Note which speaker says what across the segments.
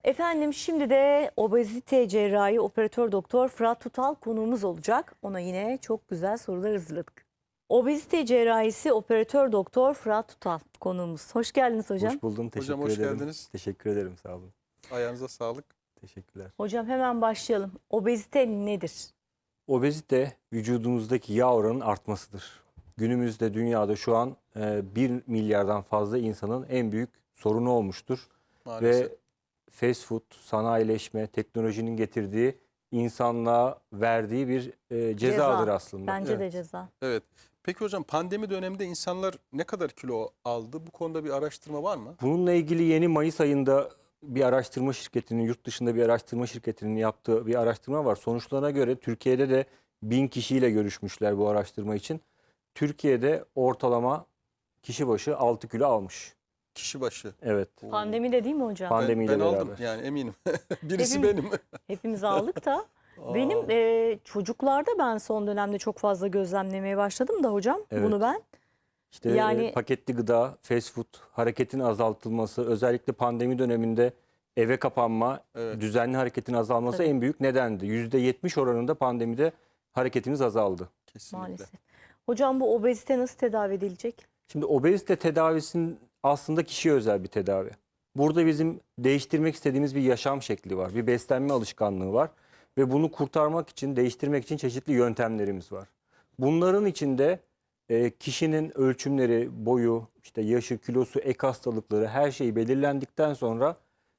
Speaker 1: Efendim şimdi de obezite cerrahi operatör doktor Fırat Tutal konuğumuz olacak. Ona yine çok güzel sorular hazırladık. Obezite cerrahisi operatör doktor Fırat Tutal konuğumuz. Hoş geldiniz hocam.
Speaker 2: Hoş buldum.
Speaker 3: Hocam
Speaker 2: Teşekkür
Speaker 3: hoş
Speaker 2: ederim.
Speaker 3: geldiniz.
Speaker 2: Teşekkür ederim. Sağ olun.
Speaker 3: Ayağınıza sağlık.
Speaker 2: Teşekkürler.
Speaker 1: Hocam hemen başlayalım. Obezite nedir?
Speaker 2: Obezite vücudumuzdaki yağ oranının artmasıdır. Günümüzde dünyada şu an 1 milyardan fazla insanın en büyük sorunu olmuştur.
Speaker 3: Maalesef.
Speaker 2: Ve fast food, sanayileşme, teknolojinin getirdiği insanlığa verdiği bir cezadır aslında.
Speaker 1: Bence de
Speaker 3: Evet.
Speaker 1: ceza.
Speaker 3: Evet. Peki hocam pandemi döneminde insanlar ne kadar kilo aldı? Bu konuda bir araştırma var mı?
Speaker 2: Bununla ilgili yeni Mayıs ayında bir araştırma şirketinin, yurt dışında bir araştırma şirketinin yaptığı bir araştırma var. Sonuçlarına göre Türkiye'de de 1000 kişiyle görüşmüşler bu araştırma için. Türkiye'de ortalama kişi başı 6 kilo almış.
Speaker 3: Kişi başı.
Speaker 2: Evet.
Speaker 3: Oo.
Speaker 1: Pandemi de değil mi hocam?
Speaker 2: Pandemiyle
Speaker 3: Ben aldım
Speaker 2: beraber.
Speaker 3: yani eminim. Birisi
Speaker 1: Hepimiz-
Speaker 3: benim.
Speaker 1: Hepimiz aldık da. Benim çocuklarda ben son dönemde çok fazla gözlemlemeye başladım da hocam.
Speaker 2: Evet.
Speaker 1: Bunu ben.
Speaker 2: İşte
Speaker 1: Yani-
Speaker 2: paketli gıda, fast food, hareketin azaltılması, özellikle pandemi döneminde eve kapanma,
Speaker 3: Evet.
Speaker 2: düzenli hareketin azalması
Speaker 1: Tabii.
Speaker 2: en büyük nedendi. %70 oranında pandemide hareketimiz azaldı.
Speaker 3: Kesinlikle.
Speaker 1: Maalesef. Hocam bu obezite nasıl tedavi edilecek?
Speaker 2: Şimdi obezite tedavisinin aslında kişiye özel bir tedavi. Burada bizim değiştirmek istediğimiz bir yaşam şekli var, bir beslenme alışkanlığı var ve bunu kurtarmak için, değiştirmek için çeşitli yöntemlerimiz var. Bunların içinde kişinin ölçümleri, boyu, işte yaşı, kilosu, ek hastalıkları her şeyi belirlendikten sonra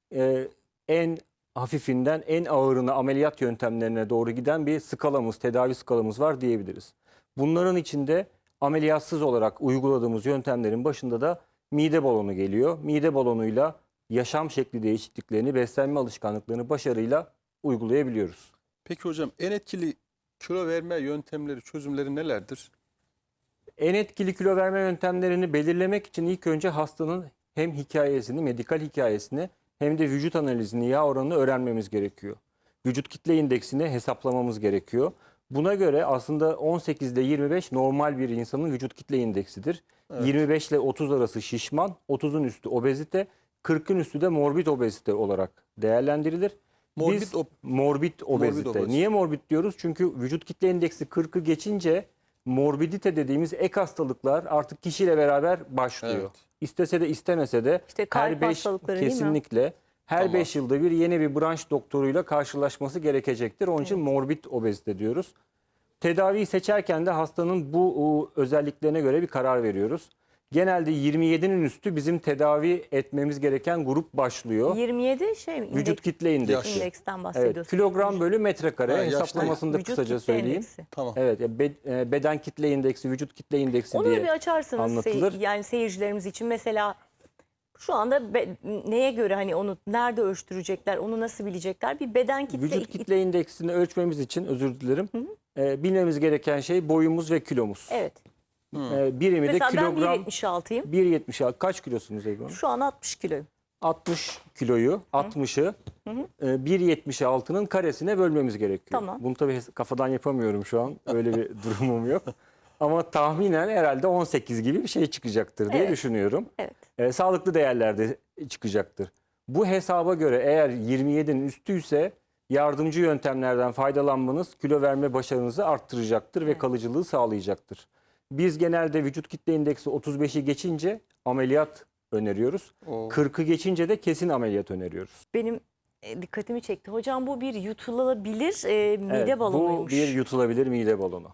Speaker 2: en hafifinden en ağırına ameliyat yöntemlerine doğru giden bir skalamız, tedavi skalamız var diyebiliriz. Bunların içinde ameliyatsız olarak uyguladığımız yöntemlerin başında da mide balonu geliyor. Mide balonuyla yaşam şekli değişikliklerini, beslenme alışkanlıklarını başarıyla uygulayabiliyoruz.
Speaker 3: Peki hocam en etkili kilo verme yöntemleri, çözümleri nelerdir?
Speaker 2: En etkili kilo verme yöntemlerini belirlemek için ilk önce hastanın hem hikayesini, medikal hikayesini hem de vücut analizini, yağ oranını öğrenmemiz gerekiyor. Vücut kitle indeksini hesaplamamız gerekiyor. Buna göre aslında 18 ile 25 normal bir insanın vücut kitle indeksidir.
Speaker 3: Evet.
Speaker 2: 25 ile 30 arası şişman, 30'un üstü obezite, 40'ın üstü de morbid obezite olarak değerlendirilir.
Speaker 3: Morbid
Speaker 2: Biz morbid obezite.
Speaker 3: obezite.
Speaker 2: Niye morbid diyoruz? Çünkü vücut kitle indeksi 40'ı geçince morbidite dediğimiz ek hastalıklar artık kişiyle beraber başlıyor.
Speaker 3: Evet.
Speaker 2: İstese de istemese de
Speaker 1: İşte kalp
Speaker 2: her 5
Speaker 1: hastalıkları değil mi?
Speaker 2: kesinlikle her
Speaker 3: Tamam.
Speaker 2: 5 yılda bir yeni bir branş doktoruyla karşılaşması gerekecektir. Onun için morbid obezite diyoruz. Tedaviyi seçerken de hastanın bu özelliklerine göre bir karar veriyoruz. Genelde 27'nin üstü bizim tedavi etmemiz gereken grup başlıyor.
Speaker 1: 27 şey mi?
Speaker 2: Vücut kitle indeksi.
Speaker 3: Yaş.
Speaker 1: İndeksten
Speaker 2: Evet,
Speaker 1: bahsediyorsunuz.
Speaker 2: kilogram bölü metrekare
Speaker 3: Ha, yaş
Speaker 2: hesaplamasını da
Speaker 1: Vücut
Speaker 2: kısaca
Speaker 1: kitle
Speaker 2: söyleyeyim.
Speaker 1: indeksi.
Speaker 3: Tamam.
Speaker 2: Evet, ya beden kitle indeksi, vücut kitle indeksi
Speaker 1: Onu da
Speaker 2: diye
Speaker 1: bir açarsanız
Speaker 2: anlatılır.
Speaker 1: yani seyircilerimiz için mesela şu anda neye göre hani onu nerede ölçtürecekler, onu nasıl bilecekler? Bir beden kitle
Speaker 2: Vücut kitle indeksini ölçmemiz için özür dilerim. Bilmemiz gereken şey boyumuz ve kilomuz.
Speaker 1: Evet.
Speaker 2: Birimi de
Speaker 1: Mesela ben
Speaker 2: kilogram
Speaker 1: 1.76'yım.
Speaker 2: 1.76. Kaç kilosunuz Ebru Hanım?
Speaker 1: Şu an 60 kiloyum.
Speaker 2: 60 kiloyu, 60'ı 1.76'nın karesine bölmemiz gerekiyor.
Speaker 1: Tamam.
Speaker 2: Bunu tabii kafadan yapamıyorum şu an. Öyle bir durumum yok. Ama tahminen herhalde 18 gibi bir şey çıkacaktır diye
Speaker 1: Evet.
Speaker 2: düşünüyorum.
Speaker 1: Evet.
Speaker 2: Sağlıklı değerlerde çıkacaktır. Bu hesaba göre eğer 27'nin üstüyse yardımcı yöntemlerden faydalanmanız kilo verme başarınızı arttıracaktır ve
Speaker 1: Evet.
Speaker 2: kalıcılığı sağlayacaktır. Biz genelde vücut kitle indeksi 35'i geçince ameliyat öneriyoruz.
Speaker 3: Oo.
Speaker 2: 40'ı geçince de kesin ameliyat öneriyoruz.
Speaker 1: Benim dikkatimi çekti. Hocam bu bir yutulabilir mide
Speaker 2: Evet,
Speaker 1: balonuymuş.
Speaker 2: bu bir yutulabilir mide balonu.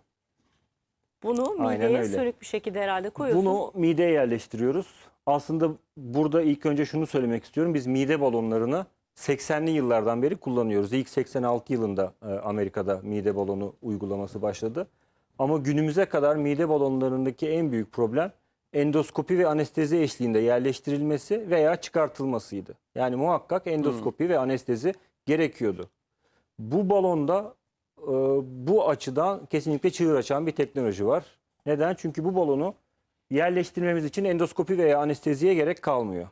Speaker 1: Bunu
Speaker 2: Aynen
Speaker 1: mideye
Speaker 2: öyle.
Speaker 1: sönük bir şekilde herhalde koyuyorsunuz.
Speaker 2: Bunu mideye yerleştiriyoruz. Aslında burada ilk önce şunu söylemek istiyorum. Biz mide balonlarını 80'li yıllardan beri kullanıyoruz. İlk 86 yılında Amerika'da mide balonu uygulaması başladı. Ama günümüze kadar mide balonlarındaki en büyük problem endoskopi ve anestezi eşliğinde yerleştirilmesi veya çıkartılmasıydı. Yani muhakkak endoskopi ve anestezi gerekiyordu. Bu balonda bu açıdan kesinlikle çığır açan bir teknoloji var. Neden? Çünkü bu balonu yerleştirmemiz için endoskopi veya anesteziye gerek kalmıyor.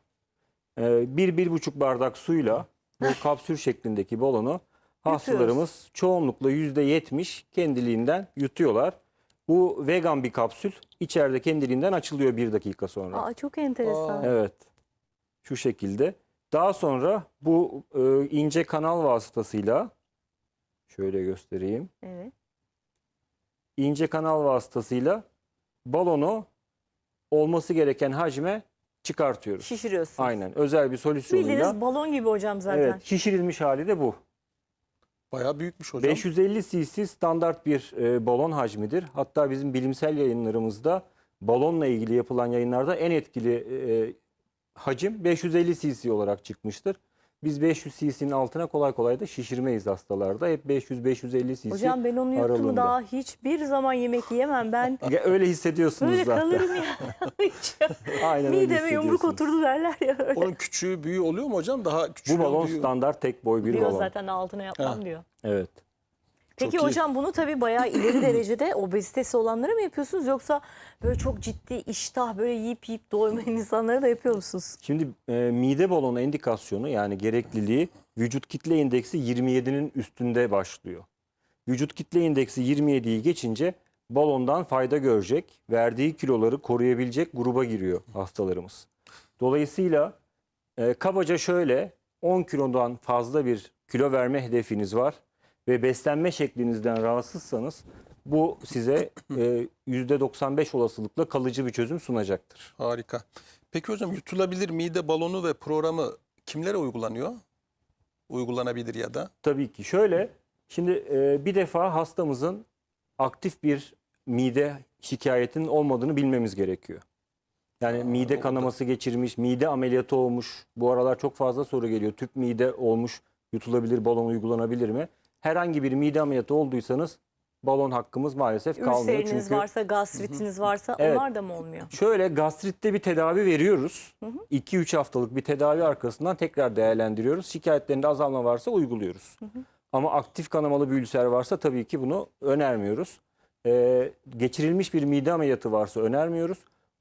Speaker 2: 1-1,5 bardak suyla bu kapsül şeklindeki balonu hastalarımız çoğunlukla %70 kendiliğinden yutuyorlar. Bu vegan bir kapsül. İçeride kendiliğinden açılıyor 1 dakika sonra.
Speaker 1: Aa, çok enteresan.
Speaker 3: Aa.
Speaker 2: Evet. Şu şekilde. Daha sonra bu ince kanal vasıtasıyla şöyle göstereyim.
Speaker 1: Evet.
Speaker 2: İnce kanal vasıtasıyla balonu olması gereken hacme çıkartıyoruz.
Speaker 1: Şişiriyorsunuz.
Speaker 2: Aynen. Özel bir solüsyonuyla.
Speaker 1: Bildiğiniz balon gibi hocam zaten.
Speaker 2: Evet, şişirilmiş hali de bu.
Speaker 3: Bayağı büyükmüş hocam.
Speaker 2: 550 cc standart bir balon hacmidir. Hatta bizim bilimsel yayınlarımızda balonla ilgili yapılan yayınlarda en etkili hacim 550 cc olarak çıkmıştır. Biz 500 cc'nin altına kolay kolay da şişirmeyiz hastalarda. Hep 500-550 cc
Speaker 1: Hocam ben onu yuttum
Speaker 2: aralığında.
Speaker 1: daha hiçbir zaman yemek yiyemem. Ben
Speaker 2: Öyle hissediyorsunuz
Speaker 1: böyle
Speaker 2: zaten.
Speaker 1: kalırım ya. Hiç.
Speaker 2: Aynen öyle
Speaker 1: Mideme yumruk
Speaker 2: hissediyorsunuz.
Speaker 1: oturdu derler ya öyle.
Speaker 3: Onun küçüğü büyüğü oluyor mu hocam? Daha küçüğü
Speaker 2: Bu balon
Speaker 3: büyüğü.
Speaker 2: standart tek boy bir
Speaker 1: Diyor
Speaker 2: balon.
Speaker 1: zaten altına yapmam
Speaker 3: Ha.
Speaker 1: diyor.
Speaker 2: Evet.
Speaker 1: Peki
Speaker 3: Çok iyi.
Speaker 1: hocam bunu tabii bayağı ileri derecede obezitesi olanlara mı yapıyorsunuz yoksa böyle çok ciddi iştah böyle yiyip doymayan insanlara da yapıyor musunuz?
Speaker 2: Şimdi mide balonu endikasyonu yani gerekliliği vücut kitle indeksi 27'nin üstünde başlıyor. Vücut kitle indeksi 27'yi geçince balondan fayda görecek, verdiği kiloları koruyabilecek gruba giriyor hastalarımız. Dolayısıyla kabaca şöyle 10 kilodan fazla bir kilo verme hedefiniz var ve beslenme şeklinizden rahatsızsanız bu size %95 olasılıkla kalıcı bir çözüm sunacaktır.
Speaker 3: Harika. Peki hocam yutulabilir mide balonu ve programı kimlere uygulanıyor? Uygulanabilir ya da?
Speaker 2: Tabii ki şöyle, şimdi bir defa hastamızın aktif bir mide şikayetinin olmadığını bilmemiz gerekiyor. Yani mide
Speaker 3: orada.
Speaker 2: kanaması geçirmiş, mide ameliyatı olmuş. Bu aralar çok fazla soru geliyor. Tüp mide olmuş, yutulabilir balon uygulanabilir mi? Herhangi bir mide ameliyatı olduysanız balon hakkımız maalesef kalmıyor.
Speaker 1: Ülseriniz
Speaker 2: Çünkü
Speaker 1: varsa, gastritiniz varsa
Speaker 2: Evet.
Speaker 1: onlar da mı olmuyor?
Speaker 2: şöyle gastritte bir tedavi veriyoruz. 2-3 haftalık bir tedavi arkasından tekrar değerlendiriyoruz. Şikayetlerinde azalma varsa uyguluyoruz. Ama aktif kanamalı bir ülser varsa tabii ki bunu önermiyoruz. Geçirilmiş bir mide ameliyatı varsa önermiyoruz.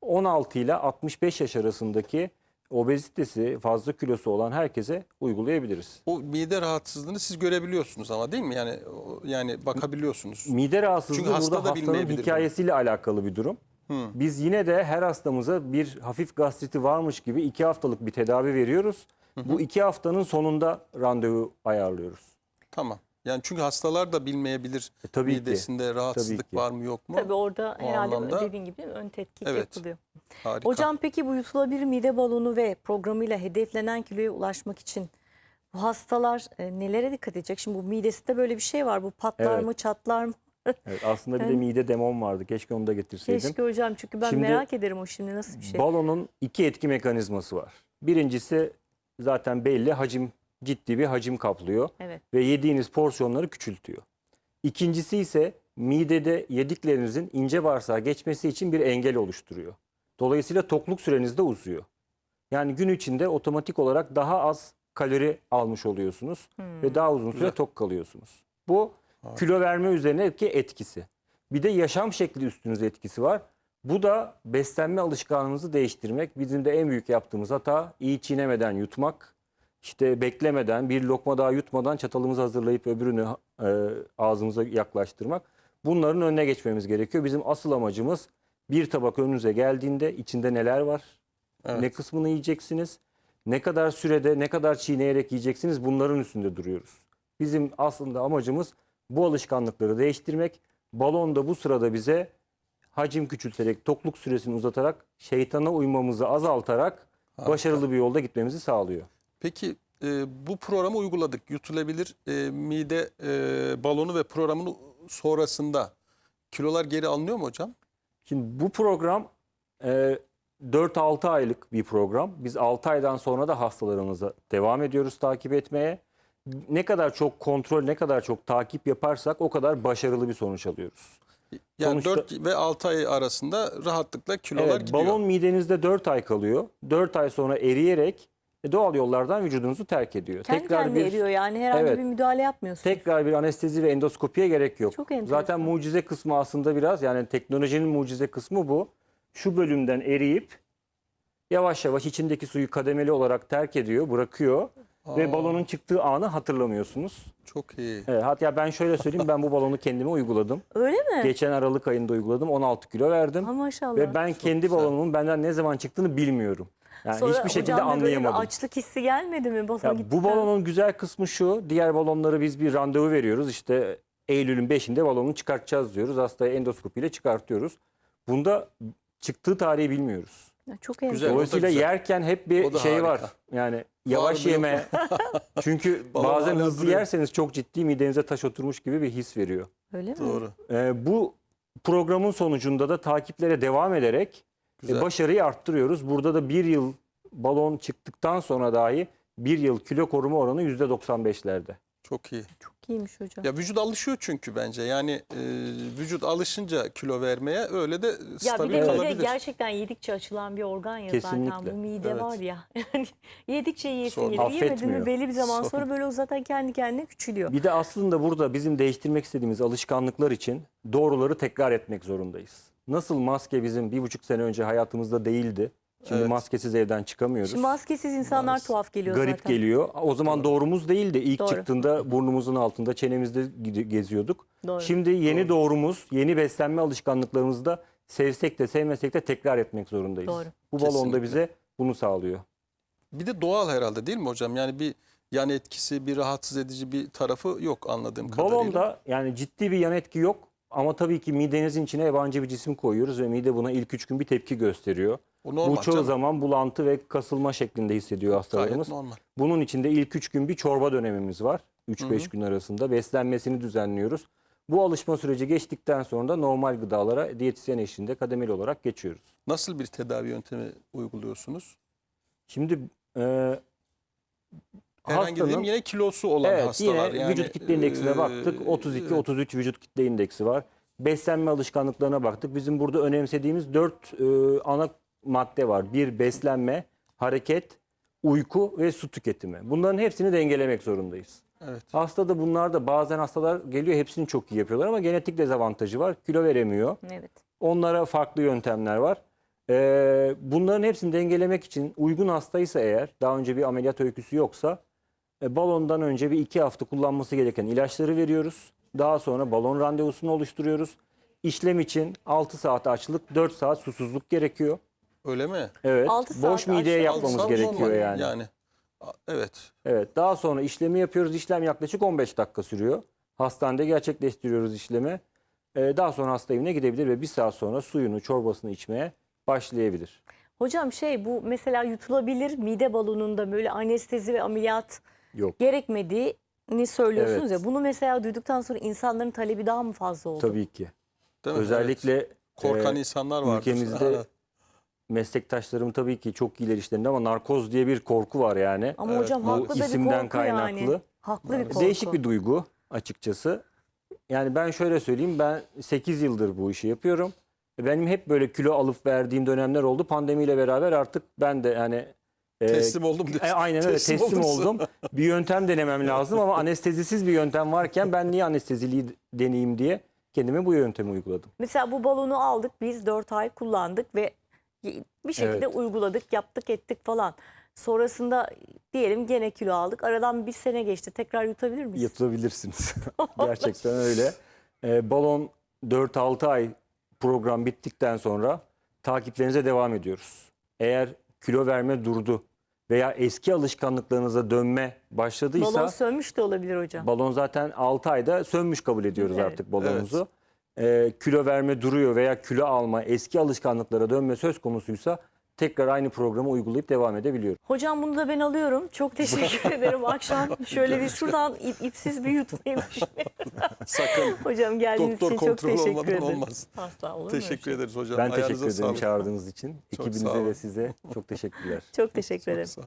Speaker 2: 16 ile 65 yaş arasındaki obezitesi, fazla kilosu olan herkese uygulayabiliriz.
Speaker 3: O mide rahatsızlığını siz görebiliyorsunuz ama değil mi? Yani bakabiliyorsunuz.
Speaker 2: Mide rahatsızlığı
Speaker 3: Çünkü hasta
Speaker 2: burada
Speaker 3: da
Speaker 2: hastanın
Speaker 3: bilmeyebilir bunu.
Speaker 2: hikayesiyle alakalı bir durum. Biz yine de her hastamıza bir hafif gastriti varmış gibi 2 haftalık bir tedavi veriyoruz. Bu 2 haftanın sonunda randevu ayarlıyoruz.
Speaker 3: Tamam. Yani çünkü hastalar da bilmeyebilir
Speaker 2: Tabii ki.
Speaker 3: midesinde rahatsızlık
Speaker 2: Tabii ki.
Speaker 3: var mı yok mu?
Speaker 1: Tabii orada
Speaker 3: O
Speaker 1: herhalde
Speaker 3: anlamda-
Speaker 1: dediğin gibi ön tetkik
Speaker 3: Evet.
Speaker 1: yapılıyor.
Speaker 3: Harika.
Speaker 1: Hocam peki bu yutulabilir mide balonu ve programıyla hedeflenen kiloya ulaşmak için bu hastalar nelere dikkat edecek? Şimdi bu midesinde böyle bir şey var. Bu patlar
Speaker 2: Evet.
Speaker 1: mı, çatlar mı?
Speaker 2: Evet, aslında bir de mide demon vardı. Keşke onu da getirseydim.
Speaker 1: Keşke hocam çünkü ben
Speaker 2: Şimdi
Speaker 1: merak ederim o şimdi nasıl bir şey.
Speaker 2: Balonun 2 etki mekanizması var. Birincisi zaten belli, ciddi bir hacim kaplıyor
Speaker 1: Evet.
Speaker 2: ve yediğiniz porsiyonları küçültüyor. İkincisi ise midede yediklerinizin ince bağırsağa geçmesi için bir engel oluşturuyor. Dolayısıyla tokluk süreniz de uzuyor. Yani gün içinde otomatik olarak daha az kalori almış oluyorsunuz ve daha uzun süre
Speaker 3: Güzel.
Speaker 2: tok kalıyorsunuz. Bu kilo verme üzerine etkisi. Bir de yaşam şekli üstünüze etkisi var. Bu da beslenme alışkanlığınızı değiştirmek. Bizim de en büyük yaptığımız hata iyi çiğnemeden yutmak. İşte beklemeden, bir lokma daha yutmadan çatalımızı hazırlayıp öbürünü ağzımıza yaklaştırmak. Bunların önüne geçmemiz gerekiyor. Bizim asıl amacımız bir tabak önünüze geldiğinde içinde neler var,
Speaker 3: Evet.
Speaker 2: ne kısmını yiyeceksiniz, ne kadar sürede, ne kadar çiğneyerek yiyeceksiniz, bunların üstünde duruyoruz. Bizim aslında amacımız bu alışkanlıkları değiştirmek. Balon da bu sırada bize hacim küçülterek, tokluk süresini uzatarak, şeytana uymamızı azaltarak başarılı bir yolda gitmemizi sağlıyor.
Speaker 3: Peki bu programı uyguladık. Yutulabilir mide balonu ve programın sonrasında kilolar geri alınıyor mu hocam?
Speaker 2: Şimdi bu program 4-6 aylık bir program. Biz 6 aydan sonra da hastalarımıza devam ediyoruz takip etmeye. Ne kadar çok kontrol, ne kadar çok takip yaparsak o kadar başarılı bir sonuç alıyoruz.
Speaker 3: Yani
Speaker 2: Sonuçta-
Speaker 3: 4 ve 6 ay arasında rahatlıkla kilolar
Speaker 2: Evet,
Speaker 3: gidiyor.
Speaker 2: balon midenizde 4 ay kalıyor. 4 ay sonra eriyerek doğal yollardan vücudunuzu terk ediyor.
Speaker 1: Kendi kendine eriyor yani herhangi
Speaker 2: Evet.
Speaker 1: bir müdahale yapmıyorsunuz.
Speaker 2: Tekrar bir anestezi ve endoskopiye gerek yok.
Speaker 1: Çok enteresan.
Speaker 2: Zaten mucize kısmı aslında biraz, yani teknolojinin mucize kısmı bu. Şu bölümden eriyip yavaş yavaş içindeki suyu kademeli olarak terk ediyor, bırakıyor ve balonun çıktığı anı hatırlamıyorsunuz.
Speaker 3: Çok iyi.
Speaker 2: Evet, hatta ben şöyle söyleyeyim, ben bu balonu kendime uyguladım.
Speaker 1: Öyle mi?
Speaker 2: Geçen Aralık ayında uyguladım, 16 kilo verdim.
Speaker 1: Ha, maşallah.
Speaker 2: Ve ben kendi
Speaker 3: güzel.
Speaker 2: balonumun benden ne zaman çıktığını bilmiyorum. Yani
Speaker 1: Sonra
Speaker 2: hiçbir şekilde
Speaker 1: hocam da böyle bir
Speaker 2: anlayamadım.
Speaker 1: açlık hissi gelmedi mi balon
Speaker 2: Ya
Speaker 1: gittikten?
Speaker 2: bu balonun güzel kısmı şu. Diğer balonları biz bir randevu veriyoruz. İşte Eylül'ün 5'inde balonu çıkartacağız diyoruz. Hastaya endoskopiyle çıkartıyoruz. Bunda çıktığı tarihi bilmiyoruz.
Speaker 1: Ya çok
Speaker 3: Güzel.
Speaker 1: enteresan.
Speaker 2: Dolayısıyla
Speaker 3: güzel.
Speaker 2: yerken hep
Speaker 3: O
Speaker 2: bir
Speaker 3: da
Speaker 2: şey var.
Speaker 3: harika.
Speaker 2: Yani yavaş
Speaker 3: mı, yok
Speaker 2: yeme. Çünkü
Speaker 3: Balon
Speaker 2: bazen
Speaker 3: hala
Speaker 2: hızlı
Speaker 3: duruyor.
Speaker 2: yerseniz çok ciddi midenize taş oturmuş gibi bir his veriyor.
Speaker 1: Öyle mi?
Speaker 3: Doğru.
Speaker 2: Bu programın sonucunda da takiplere devam ederek
Speaker 3: Güzel.
Speaker 2: başarıyı arttırıyoruz. Burada da bir yıl balon çıktıktan sonra dahi bir yıl kilo koruma oranı %95'lerde.
Speaker 3: Çok iyi.
Speaker 1: Çok iyiymiş hocam.
Speaker 3: Ya vücut alışıyor çünkü bence. Yani vücut alışınca kilo vermeye öyle de
Speaker 1: Ya bir
Speaker 3: stabil
Speaker 1: de mide
Speaker 3: kalabilir.
Speaker 1: gerçekten yedikçe açılan bir organ ya zaten.
Speaker 2: Kesinlikle.
Speaker 1: Bu mide
Speaker 3: Evet.
Speaker 1: var ya. Yani yedikçe yiyesin
Speaker 3: Sorun.
Speaker 1: gelir. Yemedin mi
Speaker 2: Affetmiyor.
Speaker 1: belli bir zaman
Speaker 3: Sorun.
Speaker 1: sonra böyle o zaten kendi kendine küçülüyor.
Speaker 2: Bir de aslında burada bizim değiştirmek istediğimiz alışkanlıklar için doğruları tekrar etmek zorundayız. Nasıl maske bizim 1,5 sene önce hayatımızda değildi. Şimdi
Speaker 3: Evet.
Speaker 2: maskesiz evden çıkamıyoruz.
Speaker 1: Şimdi maskesiz insanlar
Speaker 3: Maalesef.
Speaker 1: tuhaf geliyor
Speaker 2: Garip
Speaker 1: zaten.
Speaker 2: geliyor. O zaman doğrumuz değildi. İlk
Speaker 1: Doğru.
Speaker 2: çıktığında burnumuzun altında, çenemizde geziyorduk.
Speaker 1: Doğru.
Speaker 2: Şimdi yeni doğrumuz, yeni beslenme alışkanlıklarımızı da sevsek de sevmesek de tekrar etmek zorundayız.
Speaker 1: Doğru.
Speaker 2: Bu balon da
Speaker 3: Kesinlikle.
Speaker 2: bize bunu sağlıyor.
Speaker 3: Bir de doğal herhalde değil mi hocam? Yani bir yan etkisi, bir rahatsız edici bir tarafı yok anladığım kadarıyla.
Speaker 2: Balonda yani ciddi bir yan etki yok. Ama tabii ki midenizin içine yabancı bir cisim koyuyoruz ve mide buna ilk 3 gün bir tepki gösteriyor.
Speaker 3: O normal
Speaker 2: Bu çoğu
Speaker 3: canım.
Speaker 2: zaman bulantı ve kasılma şeklinde hissediyor
Speaker 3: Gayet
Speaker 2: hastalarımız.
Speaker 3: normal.
Speaker 2: Bunun için de ilk 3 gün bir çorba dönemimiz var. 3-5 gün arasında beslenmesini düzenliyoruz. Bu alışma süreci geçtikten sonra da normal gıdalara diyetisyen eşliğinde kademeli olarak geçiyoruz.
Speaker 3: Nasıl bir tedavi yöntemi uyguluyorsunuz?
Speaker 2: Şimdi
Speaker 3: Herhangi dediğim
Speaker 2: hastanın
Speaker 3: yine kilosu olan
Speaker 2: evet,
Speaker 3: hastalar.
Speaker 2: yine vücut kitle indeksine baktık. 32-33 vücut kitle indeksi var. Beslenme alışkanlıklarına baktık. Bizim burada önemsediğimiz 4 ana madde var. Bir, beslenme, hareket, uyku ve su tüketimi. Bunların hepsini dengelemek zorundayız.
Speaker 3: Evet.
Speaker 2: Hastada bunlar da bazen hastalar geliyor hepsini çok iyi yapıyorlar ama genetik dezavantajı var. Kilo veremiyor.
Speaker 1: Evet.
Speaker 2: Onlara farklı yöntemler var. Bunların hepsini dengelemek için uygun hastaysa eğer daha önce bir ameliyat öyküsü yoksa balondan önce bir 2 hafta kullanması gereken ilaçları veriyoruz. Daha sonra balon randevusunu oluşturuyoruz. İşlem için 6 saat açlık, 4 saat susuzluk gerekiyor.
Speaker 3: Öyle mi?
Speaker 2: Evet.
Speaker 1: 6 saat
Speaker 2: Boş mideye
Speaker 1: açlık.
Speaker 2: yapmamız
Speaker 3: Alsam
Speaker 2: gerekiyor
Speaker 3: normal
Speaker 2: yani.
Speaker 3: Evet.
Speaker 2: Evet. Daha sonra işlemi yapıyoruz. İşlem yaklaşık 15 dakika sürüyor. Hastanede gerçekleştiriyoruz işlemi. Daha sonra hasta evine gidebilir ve 1 saat sonra suyunu, çorbasını içmeye başlayabilir.
Speaker 1: Hocam bu mesela yutulabilir mide balonunda böyle anestezi ve ameliyat
Speaker 2: Yok.
Speaker 1: gerekmediğini söylüyorsunuz
Speaker 2: Evet.
Speaker 1: ya. Bunu mesela duyduktan sonra insanların talebi daha mı fazla oldu?
Speaker 2: Tabii ki.
Speaker 3: Değil mi?
Speaker 2: Özellikle
Speaker 3: Evet. Korkan
Speaker 2: e,
Speaker 3: insanlar var.
Speaker 2: ülkemizde meslektaşlarım tabii ki çok iyiler işlerinde ama narkoz diye bir korku var yani.
Speaker 1: Ama
Speaker 3: Evet,
Speaker 1: hocam
Speaker 3: bu
Speaker 1: haklı da bir
Speaker 2: isimden
Speaker 1: korku yani.
Speaker 2: kaynaklı.
Speaker 1: Haklı bir korku.
Speaker 2: Değişik bir duygu açıkçası. Yani ben şöyle söyleyeyim, ben 8 yıldır bu işi yapıyorum. Benim hep böyle kilo alıp verdiğim dönemler oldu. Pandemiyle beraber artık ben de yani
Speaker 3: teslim oldum diyorsun.
Speaker 2: aynen öyle teslim
Speaker 3: olursun.
Speaker 2: oldum. Bir yöntem denemem lazım ama anestezisiz bir yöntem varken ben niye anesteziliği deneyeyim diye kendime bu yöntemi uyguladım.
Speaker 1: Mesela bu balonu aldık biz 4 ay kullandık ve bir şekilde
Speaker 2: Evet.
Speaker 1: uyguladık, yaptık, ettik falan. Sonrasında diyelim gene kilo aldık. Aradan bir sene geçti. Tekrar yutabilir miyiz?
Speaker 2: Yatılabilirsiniz. Gerçekten öyle. Balon 4-6 ay program bittikten sonra takiplerinize devam ediyoruz. Eğer kilo verme durdu veya eski alışkanlıklarınıza dönme başladıysa
Speaker 1: Balon sönmüş de olabilir hocam.
Speaker 2: balon zaten 6 ayda sönmüş kabul ediyoruz
Speaker 1: Evet.
Speaker 2: artık balonumuzu. Kilo verme duruyor veya kilo alma, eski alışkanlıklara dönme söz konusuysa tekrar aynı programı uygulayıp devam edebiliyoruz.
Speaker 1: Hocam bunu da ben alıyorum. Çok teşekkür ederim. Akşam şöyle bir şuradan ipsiz bir yutmayı düşünüyorum.
Speaker 3: Sakın.
Speaker 1: Hocam geldiğiniz
Speaker 3: Doktor
Speaker 1: için çok
Speaker 3: kontrolü
Speaker 1: teşekkür
Speaker 3: olmadan
Speaker 1: ederim.
Speaker 3: olmaz.
Speaker 1: Asla olur mu öyle
Speaker 3: Teşekkür
Speaker 1: şey?
Speaker 3: ederiz hocam.
Speaker 2: Ben
Speaker 3: Ayağınıza
Speaker 2: teşekkür ederim
Speaker 3: sağlık.
Speaker 2: çağırdığınız için.
Speaker 3: Çok sağ
Speaker 2: Ekibinize
Speaker 3: olun.
Speaker 2: ve size çok teşekkürler.
Speaker 1: Çok teşekkür
Speaker 3: Çok
Speaker 1: ederim.
Speaker 3: sağ ol.